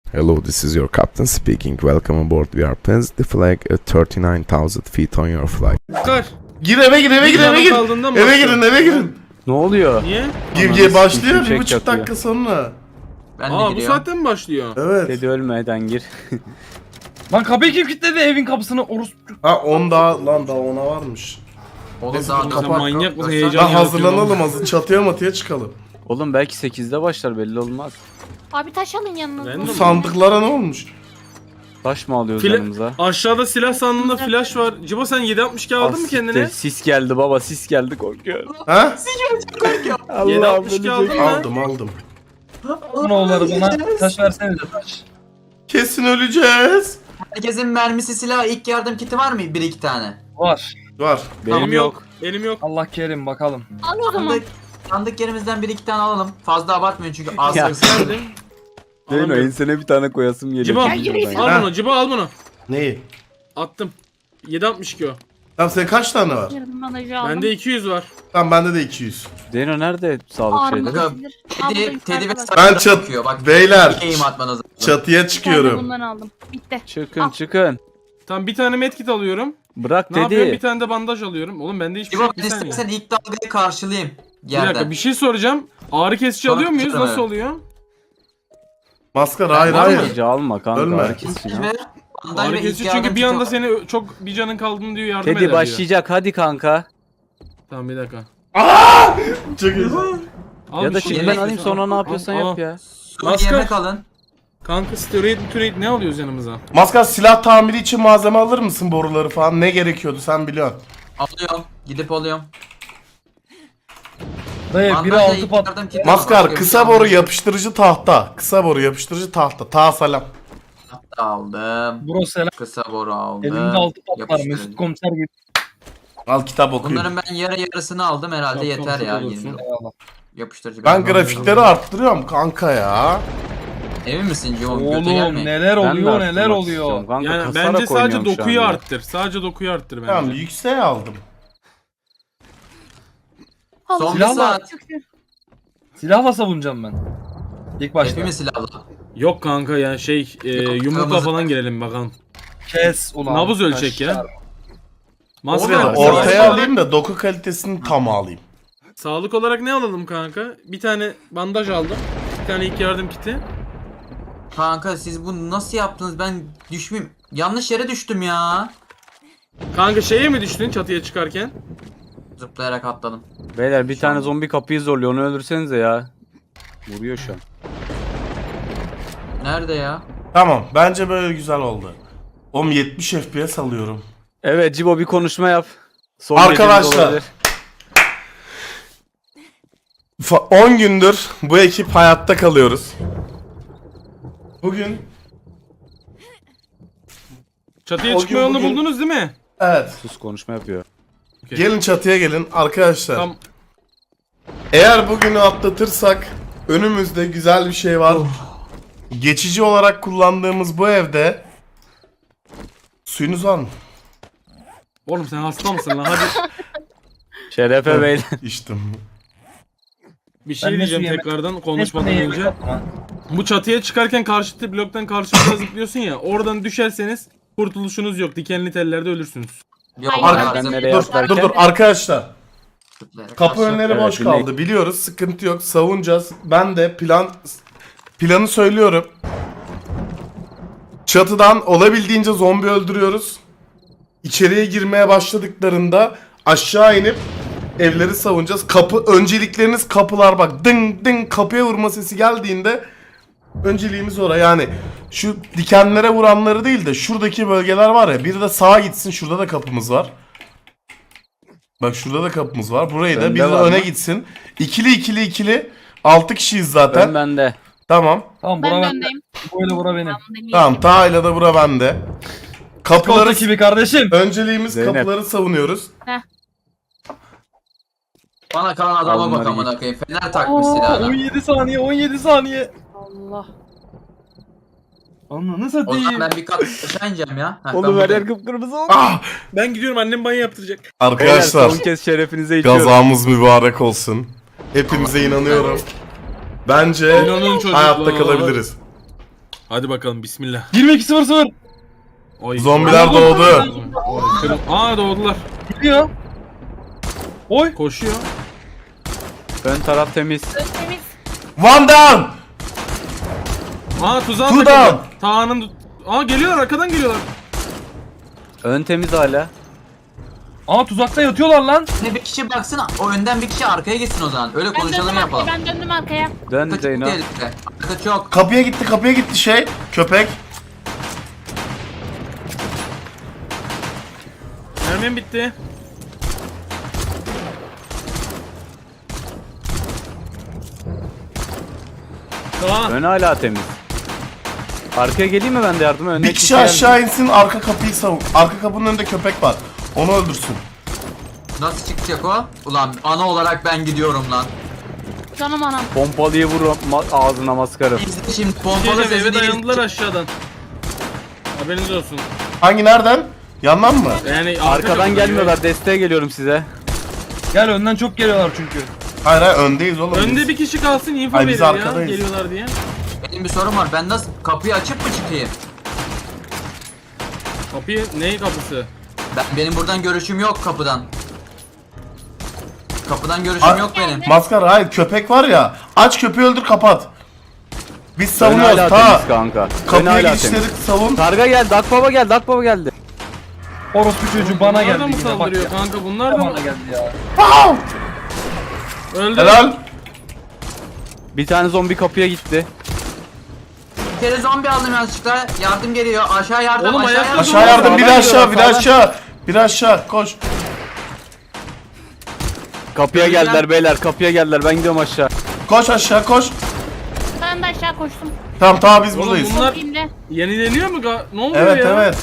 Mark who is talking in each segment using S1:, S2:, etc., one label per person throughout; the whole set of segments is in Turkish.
S1: Hello, this is your captain speaking. Welcome aboard. We are plans the flag at 39,000 feet on your flight.
S2: Kar.
S3: Gir eve gir eve gir eve gir.
S2: Kaldığında mı
S3: Eve
S2: başlıyor?
S3: girin eve girin.
S4: Ne oluyor?
S2: Niye?
S3: Gir başlıyor
S4: sikeyim,
S3: 1,5
S4: çek
S3: dakika sonra.
S5: Ben de
S2: Aa bu
S5: giriyorum.
S2: saatten mi başlıyor?
S3: Evet.
S4: Dedi ölmeden gir.
S6: Lan kapıyı kim kilitledi evin kapısını orospu?
S3: Ha 10 daha lan daha 10'a varmış.
S5: Oğlum
S3: Neyse,
S5: daha
S3: dur,
S2: Sen
S3: kapat.
S2: manyak mısın?
S5: Lan
S2: Heyecan
S3: Lan
S2: yaratıyor
S3: hazırlanalım
S2: lan.
S3: hazır çatıya matıya çıkalım.
S4: Oğlum belki 8'de başlar belli olmaz.
S7: Abi taş alın yanınıza.
S2: Ben de
S3: Bu
S2: mi?
S3: sandıklara ne olmuş?
S4: Taş mı alıyoruz
S2: Fila-
S4: yanımıza?
S2: Aşağıda silah sandığında flash var. Cibo sen 7.62 aldın mı kendine?
S4: Sis geldi baba, sis geldi, korkuyorum.
S3: Ha?
S2: 7.62 aldın mı?
S3: Aldım.
S6: Oğulları bana taş versenize taş.
S3: Kesin öleceğiz.
S5: Herkesin mermisi, silah, ilk yardım kiti var mı? 1-2 tane.
S6: Var.
S3: Var.
S4: Benim yok.
S2: Benim yok.
S6: Allah kerim bakalım.
S7: Al o zaman.
S5: Sandık yerimizden 1-2 tane alalım. Fazla abartmayın çünkü az
S4: Ya.
S5: sayısı.
S2: Geldim.
S4: Değil mi?
S2: Alamıyorum.
S4: Ensene bir tane koyasım geliyor.
S2: Cibo
S4: Şuradan.
S2: al bunu. Cibo al bunu.
S3: Neyi?
S2: Attım. 7.62 o.
S3: Tamam senin kaç tane var?
S7: Yarım bandajı aldım.
S2: Bende 200 var.
S3: Tamam bende de 200.
S4: Deno nerede sağlık şeyleri?
S7: Ağrımı kesilir.
S5: Teddy ve
S3: Ben
S5: sarı
S3: çat-
S5: bakıyor. Bak,
S3: Beyler,
S5: eğim atmanız lazım.
S3: Çatıya
S7: Ben de
S3: çıkıyorum.
S7: bundan aldım. Bitti.
S4: Çıkın
S7: Al.
S4: çıkın.
S2: Tamam bir tane medkit alıyorum.
S4: Bırak
S2: Ne yapıyorum? Bir
S4: dedi.
S2: tane de bandaj alıyorum. Oğlum bende hiçbir şey
S5: İbo
S2: yok.
S5: ben
S2: Bir saniye.
S5: istersen ilk dalgayı karşılayayım.
S2: Bir dakika
S5: Yerden.
S2: bir şey soracağım. Ağrı kesici
S5: Sonra
S2: alıyor muyuz?
S5: tutarım,
S2: Nasıl
S5: evet.
S2: oluyor?
S3: Maskara hayır
S5: Var mı?
S3: hayır.
S4: Acı alma kanka.
S3: Ölme.
S4: Herkes ya.
S5: Ve bandaj
S2: Ağrı
S5: ve ilk
S2: kesici
S5: yardım
S2: çünkü bir
S5: kiti
S2: anda
S5: var.
S2: seni çok bir canın kaldığını diyor yardım eder
S4: Teddy
S2: diyor.
S4: başlayacak hadi kanka.
S2: Tamam bir dakika.
S3: Çok iyi.
S2: Al
S4: Ya
S2: bir
S4: da
S2: şey.
S4: çık ben
S5: yemek
S4: alayım sonra ne
S2: Al,
S4: yapıyorsan
S2: al.
S4: yap ya.
S5: Su,
S2: Maskar.
S5: yemek alın.
S2: Kanka steroid ne alıyoruz yanımıza?
S3: Maskar silah tamiri için malzeme alır mısın boruları falan? Ne gerekiyordu sen biliyorsun.
S5: Alıyorum. Gidip alıyorum.
S6: Dayı biri
S5: Bandajla
S6: altı
S5: ilk
S6: pat.
S5: yardım kiti var.
S3: Maskar
S5: Başka bir
S3: kısa
S5: şey
S3: boru
S5: almıyorum.
S3: yapıştırıcı tahta. Kısa boru yapıştırıcı tahta. Ta salam.
S5: Aldım.
S6: Bro selam.
S5: Kısa boru aldım.
S6: Elimde altı pat var.
S5: Yapıştırıcı.
S6: Mesut komiser gibi.
S3: Al kitap okuyun.
S5: Bunların ben yarısını aldım herhalde
S2: Çok
S5: yeter
S2: komşu
S5: ya.
S2: olursun.
S5: 20.
S6: Eyvallah.
S5: Yapıştırıcı.
S3: Ben grafikleri arttırıyorum kanka ya.
S5: Emin misin Cimon? Göte
S6: Oğlum
S5: gelmeyin.
S6: neler
S4: Ben de
S6: oluyor neler
S4: arttırmak
S6: oluyor.
S4: istiyorum kanka,
S2: Yani
S4: kasarak
S2: bence sadece
S4: oynuyorum şu
S2: dokuyu
S4: anda.
S2: arttır. Sadece dokuyu arttır bence.
S3: Tamam yükseğe aldım.
S7: Al.
S5: Son bir
S6: Silahla-
S5: saat.
S6: Silahla savunacağım ben. İlk başta.
S5: Hepimiz silahlı.
S2: Yok kanka ya yumrukla
S5: kırmızı-
S2: falan girelim bakalım.
S6: Kes ulan.
S2: Nabız ölçek ya.
S6: Taşlar.
S2: Maskar,
S5: Oğlum,
S3: Ortaya
S2: sağlık olarak-
S3: alayım da doku kalitesini tam alayım.
S2: Sağlık olarak ne alalım kanka? Bir tane bandaj aldım. Bir tane ilk yardım kiti.
S5: Kanka siz bunu nasıl yaptınız? Ben düşmeyeyim. Yanlış yere düştüm ya.
S2: Kanka şeye mi düştün çatıya çıkarken?
S5: Zıplayarak atladım.
S4: Beyler bir tane zombi kapıyı zorluyor, onu öldürsenize ya. Vuruyor şu an.
S5: Nerede ya?
S3: Tamam bence böyle güzel oldu. Oğlum 70 FPS alıyorum.
S4: Evet Cibo bir konuşma yap. Son
S3: Arkadaşlar.
S4: gecemiz olabilir.
S3: 10 gündür bu ekip hayatta kalıyoruz. Bugün
S2: Çatıya
S3: O
S2: çıkma
S3: gün
S2: yolunu
S3: bugün-
S2: buldunuz değil mi?
S3: evet
S4: Sus konuşma yapıyor.
S3: gelin çatıya gelin arkadaşlar.
S2: Tam
S3: Eğer bugünü atlatırsak önümüzde güzel bir şey var. Geçici olarak kullandığımız bu evde suyunuz var mı?
S2: oğlum sen hasta mısın lan? Hadi
S4: Şerefe beyler.
S3: İçtim.
S2: bir şey
S6: Ben ne
S2: diyeceğim
S6: su yemek-
S2: tekrardan konuşmadan
S6: Neyse,
S2: önce.
S6: yemek atma.
S2: Bu çatıya çıkarken karşı bloktan karşıya zıplıyorsun ya. Oradan düşerseniz kurtuluşunuz yok. Dikenli tellerde ölürsünz.
S5: Yok,
S7: Hayır,
S3: Arka-
S4: Ben
S5: bizim-
S4: nereye
S3: Dur
S4: atlarken?
S3: dur arkadaşlar.
S5: Zıplayarak
S3: Kapı
S5: aşağı-
S3: önleri
S4: Evet,
S3: boş
S4: dinleyin.
S3: kaldı biliyoruz sıkıntı yok savunacağız. Ben de planı söylüyorum. Çatıdan olabildiğince zombi öldürüyoruz. İçeriye girmeye başladıklarında aşağı inip evleri savunacağız. Öncelikleriniz kapılar bak ding ding kapıya vurma sesi geldiğinde önceliğimiz oraya yani şu dikenlere vuranları değil de şuradaki bölgeler var ya bir de sağa gitsin şurada da kapımız var. Bak şurada da kapımız var. Burayı da
S4: Önde
S3: bir de
S4: var
S3: öne
S4: mı?
S3: gitsin. İkili 6 kişiyiz zaten.
S4: Ben bende.
S3: Tamam.
S6: Tamam
S7: Ben
S6: bura
S7: de
S6: bende.
S7: öndeyim.
S6: Böyle bura benim.
S3: Tamam Taha'yla da bura bende. Kapıları
S6: Koltuk gibi kardeşim.
S3: önceliğimiz
S4: Zeynep.
S3: kapıları savunuyoruz.
S5: Bana kalan adama
S4: Al
S5: bak
S4: bunları
S5: amına koyayım. Fener takmış
S6: Oo,
S5: silahına.
S6: 17 saniye 17 saniye.
S7: Allah.
S6: Ananı
S5: O
S6: satayım.
S5: zaman ben bir kat aşağı ineceğim ya. Heh,
S4: Oğlum
S5: ben
S4: her yer
S5: buradayım.
S4: kıpkırmızı oldu.
S3: Ah!
S2: Ben gidiyorum annem banyo yaptıracak.
S4: Beyler
S3: Arkadaşlar
S4: son kez şerefinize içiyorum.
S3: gazamız mübarek olsun. Hepimize inanıyorum. Bence
S2: İnanın çocuklar.
S3: hayatta kalabiliriz.
S2: Hadi bakalım bismillah.
S6: 22.00.
S2: Oy.
S3: Zombiler
S2: Oy.
S3: doğdu.
S2: Oy, Aa doğdular.
S6: Gidiyor. Oy.
S2: Koşuyor.
S4: Ön taraf temiz.
S7: Temiz.
S3: One down.
S2: Aa tuzağa
S3: Two
S2: takıldı.
S3: down.
S2: Tağının... Aa geliyorlar arkadan geliyorlar.
S4: Ön temiz hala.
S6: Aa tuzakta yatıyorlar lan.
S5: Ne bir kişi baksın, o önden bir kişi arkaya gitsin o zaman. Öyle
S7: Ben
S5: konuşalım
S7: döndüm
S5: yapalım.
S7: arkaya. Ben döndüm arkaya.
S4: Dön
S5: Arka çok
S4: Zeyno.
S5: tehlikeli. Arka çok.
S3: Kapıya gitti şey. Köpek.
S2: Mermim bitti. Tamam.
S4: Ön hala temiz. Arkaya geleyim mi ben de yardıma? Önüne
S3: Bir kişi aşağı insin, arka kapıyı savun. Arka kapının önünde köpek var. Onu öldürsün.
S5: Nasıl çıkacak o? Ulan ana olarak ben gidiyorum lan.
S7: Canım anam.
S4: Pompalıyı vur ağzına maskarım.
S5: İzle şimdi
S2: Bir
S5: pompalı
S2: şey diyeceğim, eve
S5: sesini
S2: dayandılar aşağıdan. Haberiniz olsun.
S3: Hangi nereden? Yandan mı?
S2: Yani arka
S4: Arkadan
S2: kapıdan
S4: gelmiyorlar. Desteğe geliyorum size.
S6: Gel önden çok geliyorlar çünkü.
S3: Hayır öndeyiz oğlum.
S2: Önde
S3: biz.
S2: bir kişi kalsın info
S3: Ay, biz
S2: verir ya
S3: arkadayız.
S2: geliyorlar diye.
S5: Benim bir sorum var. Ben nasıl kapıyı açıp mı çıkayım?
S2: Kapıyı neyi kapısı?
S5: Benim buradan görüşüm yok kapıdan. Kapıdan görüşüm yok benim.
S3: Maskara hayır köpek var ya. Aç köpeği öldür kapat. Biz
S4: Ön hala
S3: savunuyoruz
S4: temiz
S3: ta.
S4: kanka. Ön
S3: Kapıya
S4: hala
S3: girişleri
S4: temiz.
S3: savun.
S4: Karga geldi. Akbaba geldi. Akbaba geldi.
S6: Orospu çocuğu bana
S2: Bunlar
S6: geldi
S2: da mı
S6: yine bak
S2: saldırıyor
S6: ya.
S2: kanka bunlar da mı?
S6: Bana geldi ya.
S2: Öldü.
S3: Helal.
S4: Bir tane zombi kapıya gitti.
S5: Bir kere zombi aldım yanlışlıkla. Yardım geliyor. Aşağı yardım.
S2: Oğlum,
S5: aşağı
S2: ayakta
S5: yardım.
S3: Aşağı yardım bir de
S4: Sağdan
S3: aşağı bir de
S4: geliyorlar,
S3: aşağı. Bir de aşağı koş.
S4: Kapıya
S5: Öldüler.
S4: geldiler beyler. Kapıya geldiler. Ben gidiyorum aşağı.
S3: Koş aşağı koş.
S7: Ben de aşağı koştum.
S3: Tamam biz
S2: Oğlum
S3: buradayız.
S2: bunlar
S7: Sokayım
S2: yenileniyor mu? Ne oluyor
S3: Evet
S2: ya?
S3: evet.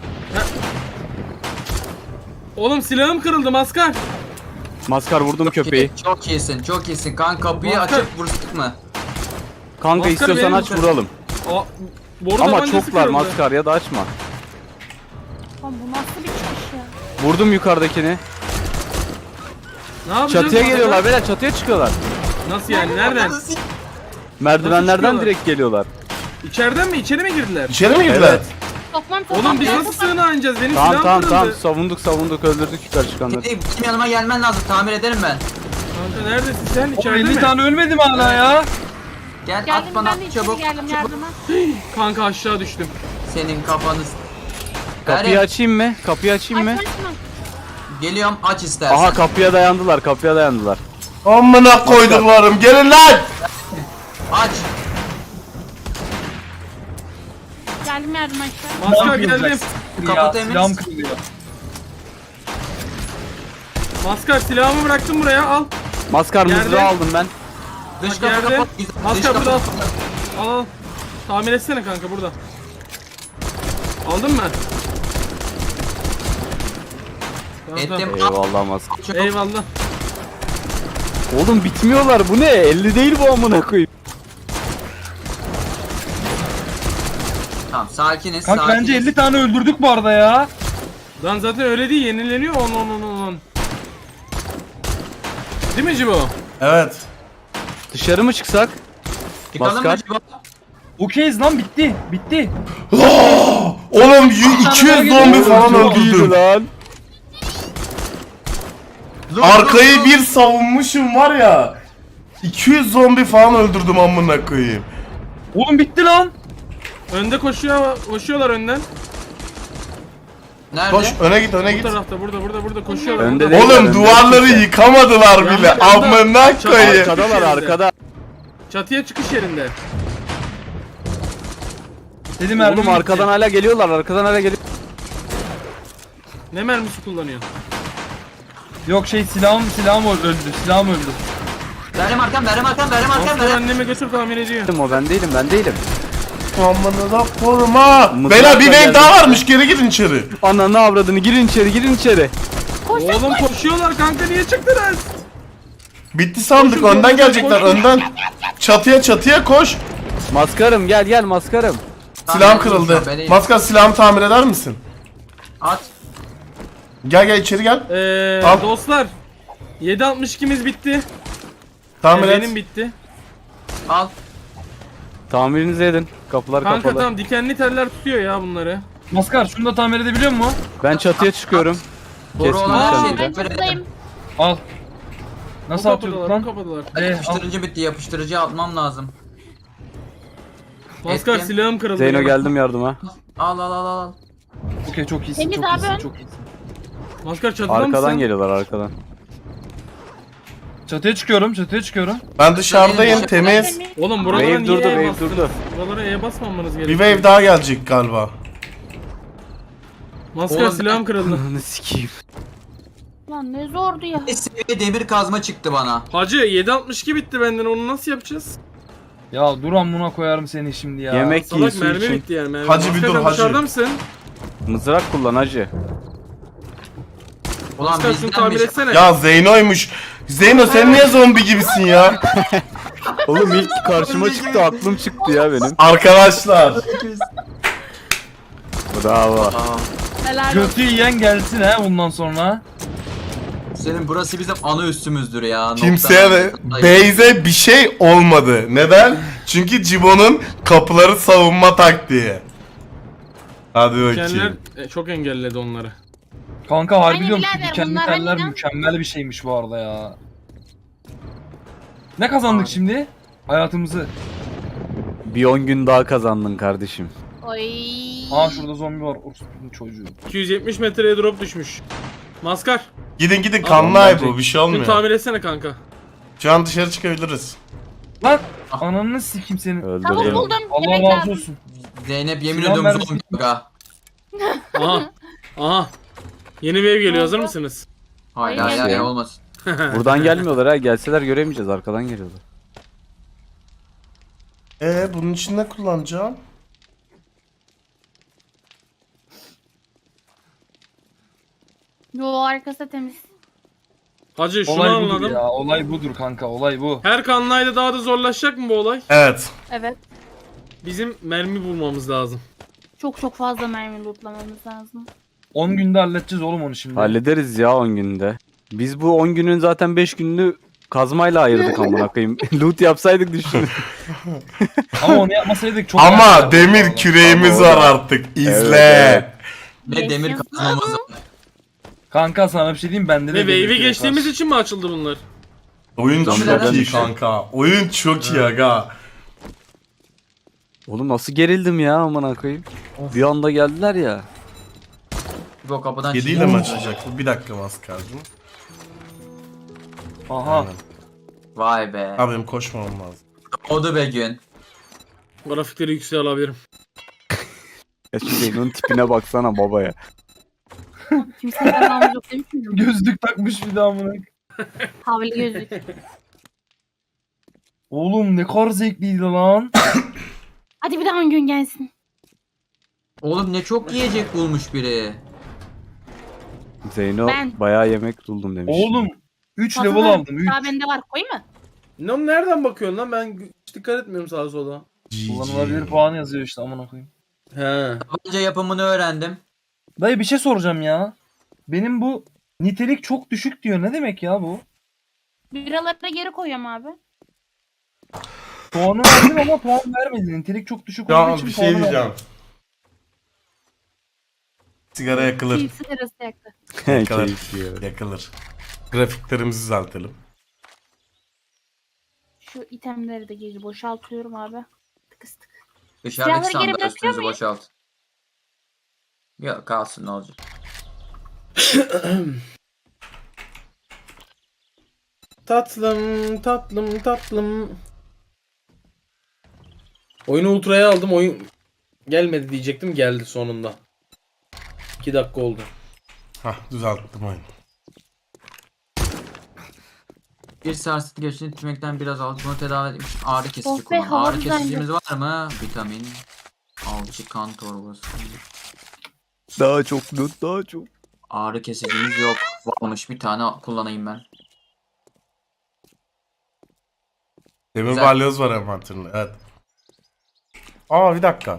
S2: Oğlum silahım kırıldı maskar.
S4: Maskar vurdum köpeği.
S5: Çok iyisin, çok iyisin. Kan kapıyı
S2: Maskar.
S5: açıp vursak mı?
S4: Kanka
S2: Maskar
S4: istiyorsan
S2: benim
S4: aç
S2: bu-
S4: vuralım.
S2: Aa, boru
S4: Ama
S2: tabancası
S4: çoklar
S2: kırıldı.
S4: maskar ya da açma.
S7: Lan bu nasıl bir çıkış ya?
S4: Vurdum yukarıdakini.
S2: Ne yapacağız?
S4: Çatıya
S2: maskar?
S4: geliyorlar beyler. Çatıya çıkıyorlar.
S2: Nasıl yani? Nereden?
S4: Merdivenlerden
S2: çıkıyorlar?
S4: direkt geliyorlar.
S2: İçeriden mi? İçeri mi girdiler?
S3: İçeri mi girdiler?
S4: Evet.
S7: Sokmam
S2: Oğlum biz
S7: sokmam.
S2: nasıl sığınağa ineceğiz? Benim
S4: Tamam
S2: silahım
S4: tamam
S2: kırıldı.
S4: tamam. Savunduk öldürdük yukarı çıkanları.
S5: Benim yanıma gelmen lazım. Tamir ederim ben.
S2: Kanka neredesin sen?
S6: Oğlum
S2: İçeride
S6: 50
S2: mi?
S6: tane ölmedi mi hala ya?
S5: Gel
S7: Geldim
S5: at bana
S7: ben de içeri
S5: çabuk.
S7: geldim yardıma.
S2: Kanka aşağı düştüm.
S5: Senin kafanı.
S4: Kapıyı
S5: Gel,
S4: açayım mı? Kapıyı açayım mı?
S7: Açma açma.
S5: geliyorum aç istersen.
S4: Aha kapıya dayandılar.
S3: Amına koyduklarım gelin lan.
S5: Aç.
S7: Geldim yardıma aşağı.
S2: Maskar
S6: Silahım
S2: geldim.
S6: kırılacak.
S5: Kapı
S6: Ya,
S5: temiz.
S6: silahım kırılıyor.
S2: Maskar silahımı bıraktım buraya al.
S4: Maskar
S2: Geldim.
S4: mızrağı aldım ben.
S5: Dış
S2: Bak
S5: kapı
S2: geldim.
S5: kapat. Dış
S2: Maskar
S5: kapı
S2: burada al.
S5: kapat.
S2: Al. Tamir etsene kanka burada. Aldın mı? Tamam,
S5: Ettim.
S2: tamam.
S4: Eyvallah maskar.
S5: Çok-
S2: Eyvallah.
S4: Oğlum bitmiyorlar bu ne? 50 değil bu amına koyayım.
S5: Tamam sakiniz.
S6: Kanka
S5: sakiniz.
S6: bence 50 tane öldürdük bu arada ya.
S2: Lan zaten öyle değil yenileniyor on. Değil mi Cibo?
S3: Evet.
S4: Dışarı mı çıksak?
S5: Çıkalım mı
S4: Maskar.
S5: Cibo?
S6: Okeyiz lan bitti. Bitti.
S3: Oğlum 200 zombi falan öldürdüm.
S4: lan.
S3: Arkayı bir savunmuşum var ya. 200 zombi falan öldürdüm amına koyayım.
S6: Oğlum bitti lan.
S2: Önde koşuyorlar önden.
S5: Nerede?
S3: Koş öne git öne
S2: Bu
S3: git.
S2: tarafta burada koşuyorlar.
S4: Önde
S2: burada.
S4: değil.
S3: Oğlum
S4: Önde
S3: duvarları
S4: kimse.
S3: yıkamadılar bile.
S2: Yandı, yandı.
S3: Amına koyayım.
S4: Arkadalar arkada.
S2: Çatıya çıkış yerinde.
S6: Dedim
S4: Oğlum arkadan hala geliyorlar.
S2: Ne mermisi kullanıyor?
S6: Yok silahım öldü. Silahım öldü.
S5: Benim arkam.
S2: Maskar anneme götür tamir ediyor.
S4: O ben değilim.
S3: Amına da koruma.
S4: Mızrakla
S3: Beyler bir wave
S4: geldim.
S3: daha varmış geri gidin içeri.
S4: Ananı avradını girin içeri.
S2: Oğlum koşuyorlar kanka niye çıktınız?
S3: Bitti sandık
S2: Koşun,
S3: önden
S2: koşun,
S3: gelecekler
S2: koşun.
S3: önden. Çatıya koş.
S4: Maskarım gel maskarım.
S3: Silahım kırıldı. Maskar silahımı tamir eder misin?
S5: At.
S3: Gel içeri gel. Al.
S2: Dostlar 7.62'miz bitti.
S3: Tamir et.
S2: Benim bitti.
S5: Al.
S4: Tamirinizi edin. Kapılar
S2: Kanka
S4: kapalı.
S2: tamam, dikenli teller tutuyor ya bunları.
S6: Maskar şunu da tamir edebiliyor musun?
S4: Ben çatıya çıkıyorum.
S5: Boru
S4: Keskin
S5: olan her
S4: nişancıyla.
S5: şeyi
S7: Ben
S5: tamir
S7: çatıdayım.
S5: ederim.
S6: Al. Nasıl
S2: O
S6: atıyorduk
S2: kapadılar, o
S6: lan?
S2: kapadılar.
S6: Al.
S5: Yapıştırıcı bitti. Yapıştırıcı atmam lazım.
S2: Maskar
S5: Ettim.
S2: silahım kırıldı.
S4: Zeyno
S2: ya.
S4: geldim yardıma.
S5: Al.
S6: Okey çok iyisin,
S7: Temiz
S6: çok
S7: abi
S6: iyisin,
S7: ön.
S6: çok iyisin.
S2: Maskar çatıda
S4: Arkadan
S2: mısın?
S4: geliyorlar arkadan.
S6: Çatıya çıkıyorum.
S3: Ben dışarıdayım temiz.
S2: Oğlum buralara
S4: Wave
S2: niye
S4: durdu,
S2: E
S4: wave
S2: bastınız?
S4: durdu.
S2: Buralara E basmamanız
S3: Bir
S2: gerekiyor.
S3: wave daha gelecek galiba.
S2: Maskar
S5: Oğlum,
S2: silahım kırıldı.
S4: Ananı sikeyim.
S7: Lan ne zordu ya.
S5: Bir seviye demir kazma çıktı bana.
S2: Hacı 7.62 bitti benden, onu nasıl yapacağız?
S6: Ya dur amına koyarım seni şimdi ya.
S4: Yemek yiyin
S2: Salak
S4: su
S2: mermi
S4: için.
S2: bitti yani mermi.
S3: Hacı bir
S2: Maskar,
S3: dur,
S2: sen
S3: hacı.
S2: dışarıda mısın?
S4: Mızrak kullan hacı.
S5: Ulan
S2: Maskar şunu
S5: bizden
S2: tamir
S5: bir şey.
S2: etsene.
S3: Ya Zeyno'ymuş. Zeyno sen niye zombi gibisin ya?
S4: Oğlum ilk karşıma çıktı, aklım çıktı ya benim.
S3: Arkadaşlar.
S4: Bravo.
S7: Helal olsun.
S6: Götü yiyen gelsin ha bundan sonra.
S5: Senin burası bizim ana üstümüzdür ya.
S3: Kimseye de Beyze bir şey olmadı. Neden? Çünkü Cibo'nun kapıları savunma taktiği. Hadi
S2: Dikenler
S3: bakayım.
S2: çok engelledi onları.
S6: Kanka harbi
S7: Aynen
S6: diyorum şu
S7: birader,
S6: dikenli
S7: bunlar
S6: teller
S7: harbiden-
S6: mükemmel bir şeymiş bu arada ya. Ne kazandık şimdi? Hayatımızı.
S4: Bir 10 gün daha kazandın kardeşim.
S7: Oy.
S6: Aa şurada zombi var. Orospu'nun çocuğu.
S2: 270 metreye drop düşmüş. Maskar,
S3: Gidin kanlı ay bu bir şey
S2: şunu
S3: olmuyor.
S2: tamir etsene kanka.
S3: Şu an dışarı çıkabiliriz.
S6: Lan ananı sikeyim seni.
S7: Tavuk
S4: Öldürdüm.
S7: buldum.
S6: Allah
S7: Yemek
S6: razı
S7: lazım.
S6: olsun.
S5: Zeynep yemin
S6: Silah
S5: ediyorum
S6: mermisi-
S5: zombi aga.
S2: Aha. Aha. Yeni wave geliyor, hazır mısınız?
S5: Hayır
S7: Aynen.
S5: hayır olmasın.
S4: Buradan gelmiyorlar ha. Gelseler göremeyeceğiz. Arkadan geliyorlar.
S3: Bunun için ne kullanacağım?
S7: Yo arkası temiz.
S2: Hacı şunu
S6: Olay budur
S2: anladım.
S6: ya. Olay budur kanka. Olay bu.
S2: Her kanlayda daha da zorlaşacak mı bu olay?
S3: Evet.
S7: Evet.
S2: Bizim mermi bulmamız lazım.
S7: Çok fazla mermi lootlamamız lazım.
S6: 10 günde halledeceğiz oğlum onu şimdi.
S4: Hallederiz ya 10 günde. Biz bu 10 günün zaten 5 gününü kazmayla ayırdık amına koyayım. Loot yapsaydık düşün.
S6: Ama onu yapmasaydık çok
S3: Ama
S6: rahat
S3: demir
S6: yapardık.
S3: küreğimiz
S4: Ama o
S3: var
S4: da-
S3: artık. İzle.
S4: Evet,
S5: Ve demir
S7: Yaşasın.
S5: kazmamız var.
S6: Kanka sana bir şey diyeyim bende de
S2: Ve
S6: demir
S2: wave'i
S6: kürek
S2: geçtiğimiz
S6: var.
S2: için mi açıldı bunlar?
S3: Oyun
S5: Zombilerden
S3: çok iyi
S5: düşüyor.
S3: kanka. Oyun çok iyi aga.
S4: Oğlum nasıl gerildim ya amına koyayım. Bir anda geldiler ya.
S5: Bu kapıdan
S3: 7 ile mi açılacak bu? Bir dakika Maskar'cığım.
S6: Aha.
S5: Vay be.
S3: Abi benim koşmamam lazım.
S5: Odu be gün.
S2: Grafikleri yükseğe alabilirim.
S4: Ya şu Zeyno'nun tipine baksana baba ya.
S7: Kimsenin anlamı yok demiş miydim?
S6: Gözlük takmış bir daha amına.
S7: Havli gözlük.
S6: Oğlum ne kadar zevkliydi lan.
S7: Hadi bir daha 10 gün gelsin.
S5: Oğlum ne çok yiyecek bulmuş biri.
S4: Zeyno
S7: Ben-
S4: bayağı yemek buldum demiş.
S6: Oğlum 3 level
S7: Fazla
S6: aldım. 3.
S7: Daha bende var, koyayım mı?
S2: Ne nereden bakıyorsun lan? Ben hiç dikkat etmiyorum sağa sola.
S6: Kullanılabilir puan yazıyor işte amına koyayım.
S2: He.
S5: Tabanca yapımını öğrendim.
S6: Dayı bir şey soracağım ya. Benim bu nitelik çok düşük diyor. Ne demek ya bu?
S7: Biraları geri koyuyorum abi.
S6: Puanı verdim ama puan vermedi. Nitelik çok düşük olduğu
S3: Ya
S6: için
S3: bir
S6: puanı
S3: şey diyeceğim.
S6: vermedi.
S3: Sigara yakılır.
S7: Keyif sigarası yaktı.
S3: Yakılır.
S4: Keyifli ya.
S3: Yakılır. Grafiklerimizi düzeltelim.
S7: Şu itemleri de geri boşaltıyorum abi. Tıkıs tık.
S5: Dışarıdaki
S7: Silahları geri
S5: sandık
S7: bırakıyor
S5: üstünüzü
S7: muyum?
S5: boşalt. Yok kalsın ne olacak.
S2: Tatlım, tatlım, tatlım. Oyunu ultraya aldım. Oyun gelmedi diyecektim. Geldi sonunda. 2 dakika oldu.
S3: Hah düzelttim oyunu.
S5: Bir sarsıntı geçtiğini tükmekten biraz aldık. Bunu tedavi edilmiş. Ağrı kesici
S7: Oh be,
S5: kullan.
S7: hava
S5: Ağrı
S7: düzeldi.
S5: kesicimiz var mı? Vitamin. Alçı kan torbası.
S4: Daha çok loot daha çok.
S5: Ağrı kesicimiz yok. Varmış bir tane kullanayım ben.
S3: Demir
S5: Güzel.
S3: balyoz var envanterinde. Evet. Aa bir dakika.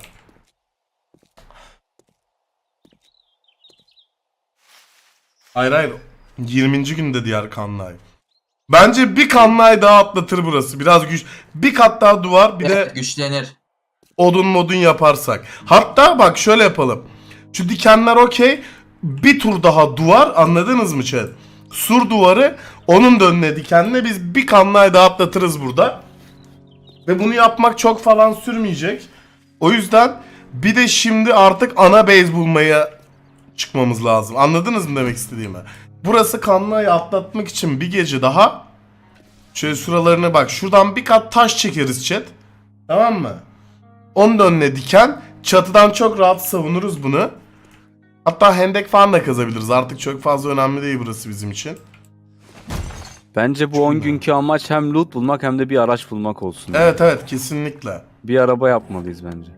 S3: Hayır. 20. günde diğer kanlay. Bence bir kanlay daha atlatır burası. Biraz güç. Bir kat daha duvar bir
S5: Evet,
S3: de
S5: güçlenir.
S3: Odun modun yaparsak. Hatta bak şöyle yapalım. Şu dikenler okey. Bir tur daha duvar, anladınız mı chat? Sur duvarı, onun da önüne dikenle biz bir kanlayı daha atlatırız burada. Ve bunu yapmak çok falan sürmeyecek. O yüzden bir de şimdi artık ana base bulmaya çıkmamız lazım. Anladınız mı demek istediğimi? Burası kanlayı atlatmak için bir gece daha. Şöyle şuralarına bak. Şuradan bir kat taş çekeriz chat. Tamam mı? Onun da önüne diken. Çatıdan çok rahat savunuruz bunu. Hatta hendek falan da kazabiliriz. Artık çok fazla önemli değil burası bizim için.
S4: Bence bu 10 günkü amaç hem loot bulmak hem de bir araç bulmak olsun.
S3: Evet evet kesinlikle.
S4: Bir araba yapmalıyız bence.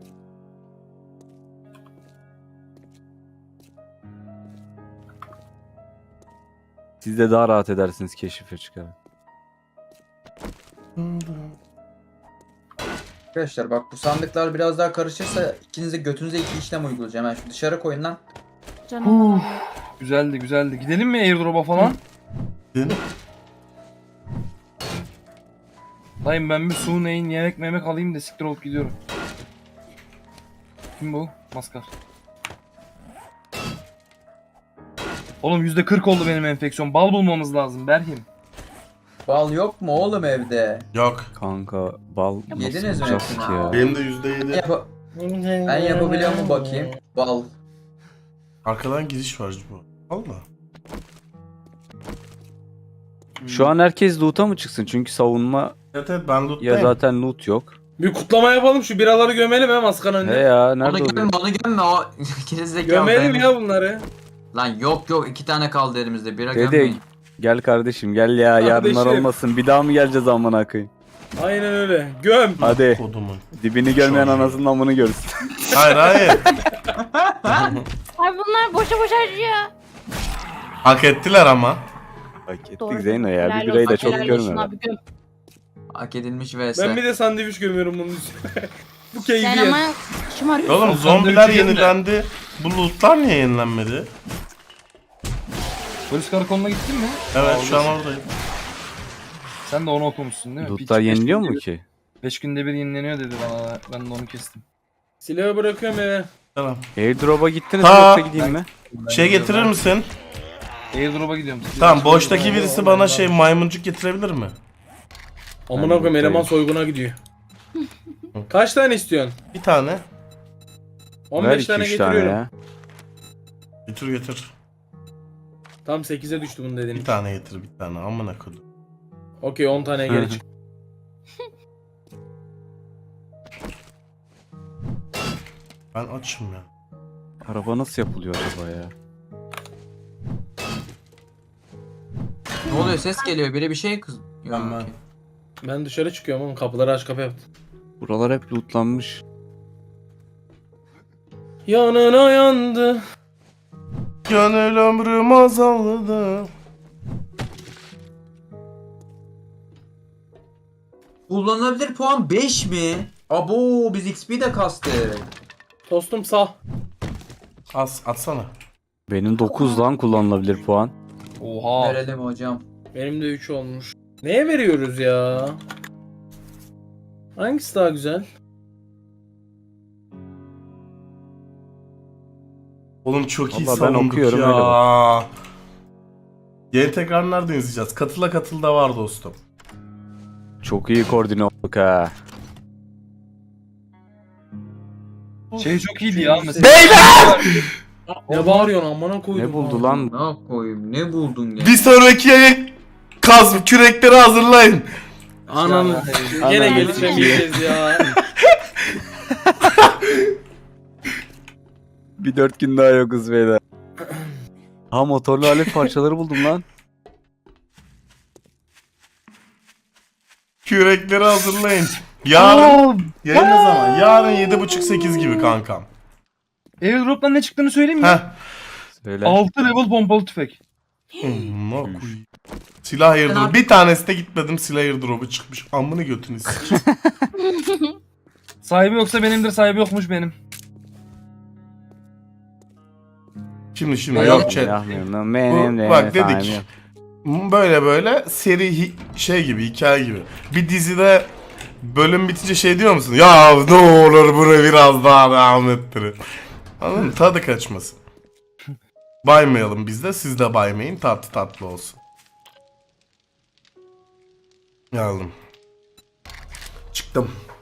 S4: Siz de daha rahat edersiniz keşife çıkarak.
S5: Arkadaşlar bak bu sandıklar biraz daha karışırsa ikinize götünüze 2 işlem uygulayacağım. Hemen şu dışarı koyun lan.
S7: Canım.
S6: Güzeldi güzeldi. Gidelim mi airdrop'a falan? Dayım ben bir su neyin yemek memek alayım da siktir olup gidiyorum. Kim bu? Maskar. Oğlum %40 oldu benim enfeksiyon. Bal bulmamız lazım Berhim.
S5: Bal yok mu oğlum evde?
S3: Yok.
S4: Kanka bal
S5: Yediniz
S4: nasıl
S5: mi
S4: bulacağız
S5: hepsini?
S4: ki ya?
S3: Benim de %7.
S5: Ben yapabiliyor mu bakayım? Bal.
S3: Arkadan giriş var bu. Valla.
S4: Şu an herkes loot'a mı çıksın? Çünkü savunma
S3: Evet evet ben
S4: ya
S3: loot'tayım.
S4: zaten loot yok.
S2: Bir kutlama yapalım, şu biraları gömelim he maskanın
S4: He
S2: önüne.
S4: ya
S5: Onu
S4: nerede
S5: gömme
S4: oluyor?
S5: onu gömme o gerizekalı.
S2: Gömelim
S5: benim.
S2: ya bunları.
S5: Lan yok 2 tane kaldı elimizde. Bira
S4: Dede
S5: gömmeyin.
S4: gel kardeşim gel ya yarınlar
S2: Kardeşim.
S4: olmasın. Bir daha mı geleceğiz amına koyayım?
S2: Aynen öyle. Göm.
S4: Hadi
S3: Kodumun.
S4: dibini görmeyen
S3: Çok iyi.
S4: anasının amını görsün.
S3: Hayır hayır.
S7: Ay bunlar boşa boşa harcıyor.
S3: Hak ettiler ama.
S4: Hak ettik
S7: Doğru.
S4: Zeyno ya
S7: Helal
S4: bir birayı da
S7: olsun,
S4: çok
S7: helal olsun
S4: görme.
S7: abi, göm.
S5: Hak edilmiş vs.
S2: Ben bir de sandviç gömüyorum bunun üstüne. Bu keyfi
S7: Sen
S2: yer.
S7: ama şımarıyorsun.
S3: Oğlum zombiler yenilendi. Bu lootlar niye yenilenmedi?
S6: Polis karakoluna gittin mi?
S3: Evet şu an oradayım.
S6: Sen de onu okumuşsun değil mi?
S4: Lootlar yeniliyor mu ki?
S6: 5 günde bir yenileniyor dedi bana. Ben de onu kestim.
S2: Silahı bırakıyorum eve.
S3: Tamam.
S4: Airdrop'a gittiniz mi
S3: Ha.
S4: yoksa gideyim mi?
S3: Şey getirir misin?
S6: Airdrop'a gidiyorum.
S3: Tamam boştaki birisi bana şey maymuncuk getirebilir mi?
S2: Amına koyayım eleman soyguna gidiyor. Kaç tane istiyorsun?
S3: Bir tane.
S2: 15 tane
S4: 2-3 tane
S2: getiriyorum.
S4: ya.
S3: Getir.
S2: Tam 8'e düştü bunun dediğin.
S3: Bir tane getir bir tane. Amına kodum.
S2: Okey 10 tane
S4: Hı
S2: geri
S4: hı.
S2: çık.
S3: Ben açım ya.
S4: Araba nasıl yapılıyor acaba ya?
S5: Ne oluyor ses geliyor biri bir şey kız. Yok,
S3: Ben.
S5: okey.
S2: Ben dışarı çıkıyorum oğlum, kapıları aç kapı yaptım.
S4: Buralar hep lootlanmış.
S2: Yanına yandı.
S3: Gönül ömrüm azaldı.
S5: Kullanılabilir puan 5 mi? Abo biz XP de kastık.
S2: Tostum sağ.
S3: Atsana.
S4: Benim 9 lan kullanılabilir puan.
S6: Oha.
S5: Verelim hocam.
S2: Benim de 3 olmuş. Neye veriyoruz ya? Hangisi daha güzel?
S3: Oğlum çok iyi
S4: Vallahi ben
S3: savunduk
S4: okuyorum,
S3: ya.
S4: öyle bak.
S3: Yeni tekrar nerede izleyeceğiz? Katıl da var dostum.
S4: Çok iyi koordine olduk ha.
S6: Şey çok iyiydi ya mesela.
S3: Beyler!
S2: Ne bağırıyorsun amına koydum.
S4: Ne buldu lan?
S5: Ne koyayım ne buldun ya?
S3: Bir sonraki yayın kürekleri hazırlayın.
S2: Ananı.
S4: Ananı
S2: Gene
S4: sikeyim.
S2: gelişemeyeceğiz ya.
S4: Bir 4 gün daha yokuz beyler. Ha motorlu alet parçaları buldum lan.
S3: Kürekleri hazırlayın. Yarın yayın ne zaman? Yarın 7.30-8 gibi kankam.
S6: Airdrop'tan ne çıktığını söyleyeyim mi?
S3: Heh.
S4: Söyle.
S6: 6 level pompalı tüfek.
S3: Silah airdrop. Bir tanesi de gitmedim silah airdrop'u çıkmış. Amını götünü sikeyim.
S6: Sahibi yoksa benimdir, sahibi yokmuş benim.
S3: Şimdi yok chat.
S4: Bak
S3: dedik. Böyle seri şey gibi hikaye gibi. Bir dizide bölüm bitince şey diyor musun? Ya ne olur bunu biraz daha devam ettirin. Anladın mı? Tadı kaçmasın. Baymayalım biz de, siz de baymayın, tatlı tatlı olsun. Geldim. Çıktım.